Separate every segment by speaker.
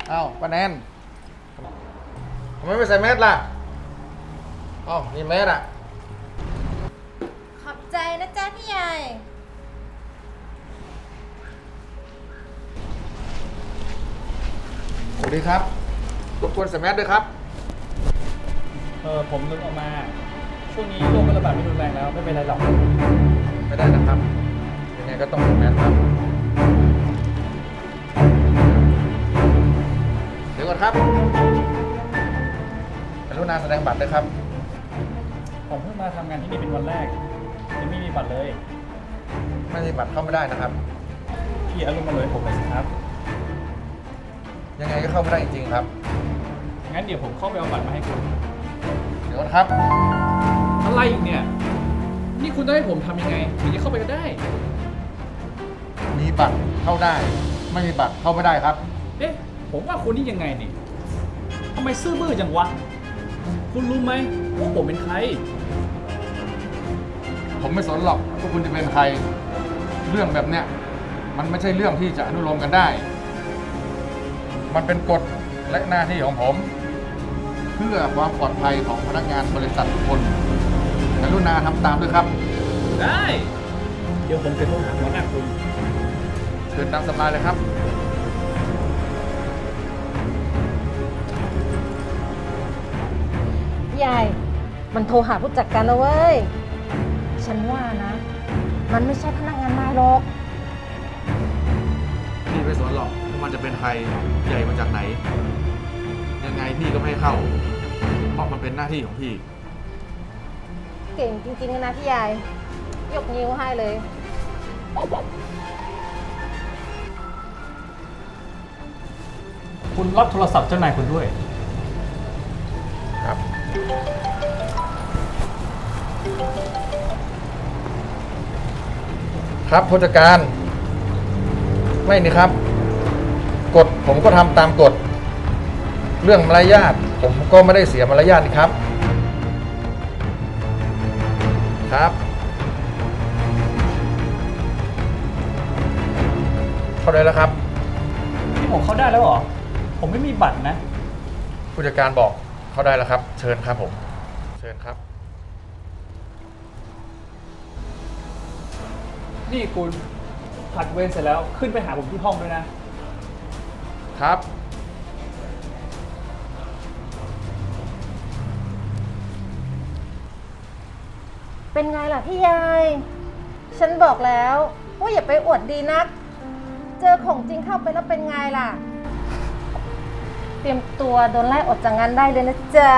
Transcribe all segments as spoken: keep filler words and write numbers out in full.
Speaker 1: อ้าวป้าแนนทำไมไม่ใส่แมสล่ะอ้าวนี่แมสอ่ะ
Speaker 2: ขอบใจนะจ๊ะพี่ใหญ่
Speaker 1: สวัสดีครับรบกวนใส่แมสด้วยครับ
Speaker 3: เออผมนึกออกมาช่วงนี้โรคระบาดไม่รุนแรงแล้วไม่เป็นไรหรอก
Speaker 1: ไม่ได้นะครับยังไงก็ต้องใส่แมสครับเดี๋ยวก่อนครับกรุณาแสดงบัตรด้วยครับ
Speaker 3: ผมเพิ่งมาทำงานที่นี่เป็นวันแรกยังไม่มีบัตรเลย
Speaker 1: ไม่มีบัตรเข้าไม่ได้นะครับ
Speaker 3: พี่อารมณ์มาเลยผมไปสิครับ
Speaker 1: ยังไงก็เข้าไม่ได้จริงๆครับ
Speaker 3: งั้นเดี๋ยวผมเข้าไปเอาบัตรมาให้คุณ
Speaker 1: เดี๋ยวก่อนครับ
Speaker 3: อะไรอีกเนี่ยนี่คุณต้องให้ผมทำยังไงถึงจะเข้าไปก็ได้
Speaker 1: มีบัตรเข้าได้ไม่มีบัตรเข้าไม่ได้ครับ
Speaker 3: เอ๊ะผมว่าคุณนี่ยังไงนี่ทำไมซื่อบื้อจังวะคุณรู้ไหมว่าผมเป็นใคร
Speaker 1: ผมไม่สนหรอกว่าคุณจะเป็นใครเรื่องแบบเนี้ยมันไม่ใช่เรื่องที่จะอนุโลมกันได้มันเป็นกฎและหน้าที่ของผมเพื่อความปลอดภัยของพนักงานบริษัททุกคนกรุณาทำตามด้วยครับ
Speaker 3: ได้เดี๋ยวผมจะโทรหาหัวหน้าคุณ
Speaker 1: เชิญตามสบายเลยครับ
Speaker 2: ใหญ่มันโทรหาผู้จัดการแล้วเว้ยฉันว่านะมันไม่ใช่พนักงานนายหรอก
Speaker 1: พี่ไม่สนหรอกว่ามันจะเป็นใครใหญ่มาจากไหนยังไงพี่ก็ไม่ให้เข้าเพราะมันเป็นหน้าที่ของพี่
Speaker 2: เก่งจริงๆนะพี่ใหญ่ยกนิ้วให้เลย
Speaker 3: คุณรับโทรศัพท์เจ้านายคุณด้วย
Speaker 1: ครับครับผู้จัดการไม่นี่ครับกฎผมก็ทำตามกฎเรื่องมารยาทผมก็ไม่ได้เสียมารยาทนี่ครับครับเข้าได้แล้วครับ
Speaker 3: นี่ผมเข้าได้แล้วเหรอผมไม่มีบัตรนะ
Speaker 1: ผู้จัดการบอกเข้าได้แล้วครับเชิญครับผมเชิญครับ
Speaker 3: นี่คุณผัดเวรเสร็จแล้วขึ้นไปหาผมที่ห้องด้วยนะครับ
Speaker 2: เป็นไงล่ะพี่ใหญ่ฉันบอกแล้วว่าอย่าไปอวดดีนักเจอของจริงเข้าไปแล้วเป็นไงล่ะเตรียมตัวโดนไล่ออกจากงานได้เลยนะจ๊ะ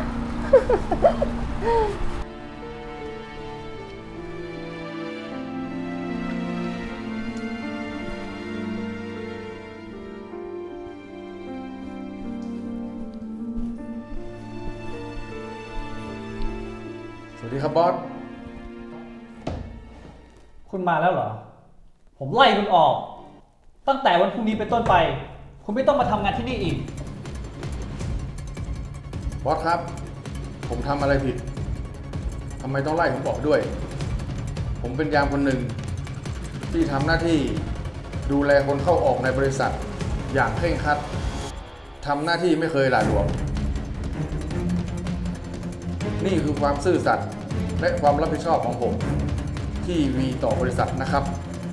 Speaker 1: สวัสดีครับบอส
Speaker 3: คุณมาแล้วเหรอผมไล่คุณออกตั้งแต่วันพรุ่งนี้เป็นต้นไปคุณไม่ต้องมาทำงานที่นี่อีก
Speaker 1: บอสครับผมทำอะไรผิดทำไมต้องไล่ผมออกด้วยผมเป็นยามคนหนึ่งที่ทำหน้าที่ดูแลคนเข้าออกในบริษัทอย่างเคร่งครัดทำหน้าที่ไม่เคยหลาหลวมนี่คือความซื่อสัตย์และความรับผิดชอบของผมที่มีต่อบริษัทนะครับ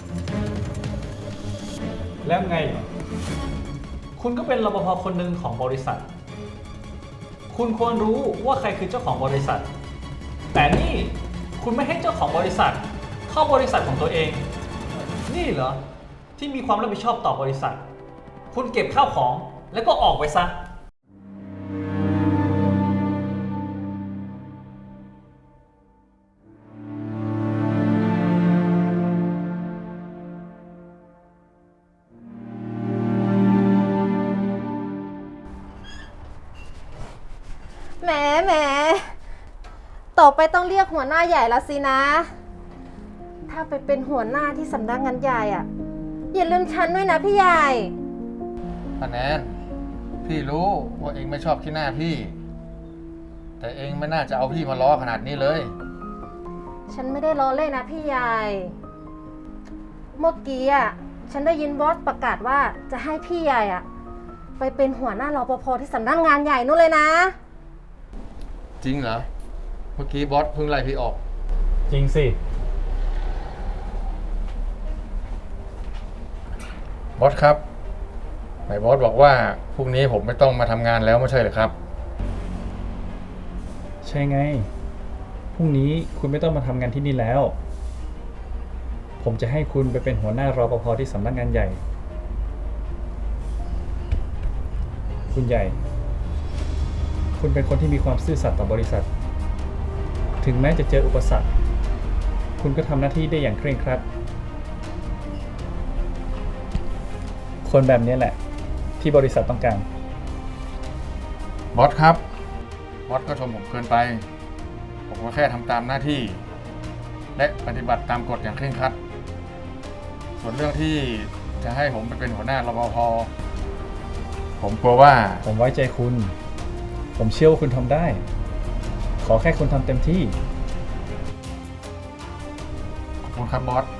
Speaker 3: แล้วไงคุณก็เป็นรปภคนหนึ่งของบริษัทคุณควรรู้ว่าใครคือเจ้าของบริษัทแต่นี่คุณไม่ให้เจ้าของบริษัทเข้าบริษัทของตัวเองนี่เหรอที่มีความรับผิดชอบต่อบริษัทคุณเก็บข้าวของแล้วก็ออกไปซะ
Speaker 2: แหมแหมต่อไปต้องเรียกหัวหน้าใหญ่ละสินะถ้าไปเป็นหัวหน้าที่สำนักงานใหญ่อ่ะอย่าลืมฉันด้วยนะพี่ใหญ่
Speaker 1: ป้าแนนพี่รู้ว่าเองไม่ชอบขี้หน้าพี่แต่เองไม่น่าจะเอาพี่มาล้อขนาดนี้เลย
Speaker 2: ฉันไม่ได้ล้อเล่นนะพี่ใหญ่เมื่อกี้อ่ะฉันได้ยินบอสประกาศว่าจะให้พี่ใหญ่อ่ะไปเป็นหัวหน้ารปภที่สำนักงานใหญ่นู่นเลยนะ
Speaker 1: จริงเหรอ เมื่อกี้บอสเพิ่งไล่พี่ออก
Speaker 3: จริงสิ
Speaker 1: บอสครับไหนบอสบอกว่าพรุ่งนี้ผมไม่ต้องมาทำงานแล้วไม่ใช่เหรอครับ
Speaker 3: ใช่ไง พรุ่งนี้คุณไม่ต้องมาทำงานที่นี่แล้ว ผมจะให้คุณไปเป็นหัวหน้ารปภที่สำนักงานใหญ่ คุณใหญ่ คุณเป็นคนที่มีความซื่อสัตย์ต่อบริษัท ถึงแม้จะเจออุปสรรค คุณก็ทำหน้าที่ได้อย่างเคร่งครัด คนแบบนี้แหละ ที่บริษัทต้องการ
Speaker 1: บอสครับ บอสก็ชมผมเกินไป ผมก็แค่ทำตามหน้าที่ และปฏิบัติตามกฎอย่างเคร่งครัด ส่วนเรื่องที่จะให้ผมไปเป็นหัวหน้ารปภ ผมกลัวว่า
Speaker 3: ผมไว้ใจคุณ ผมเชื่อว่าคุณทำได้ ขอแค่คุณทำเต็มที่
Speaker 1: ขอบคุณครับบอส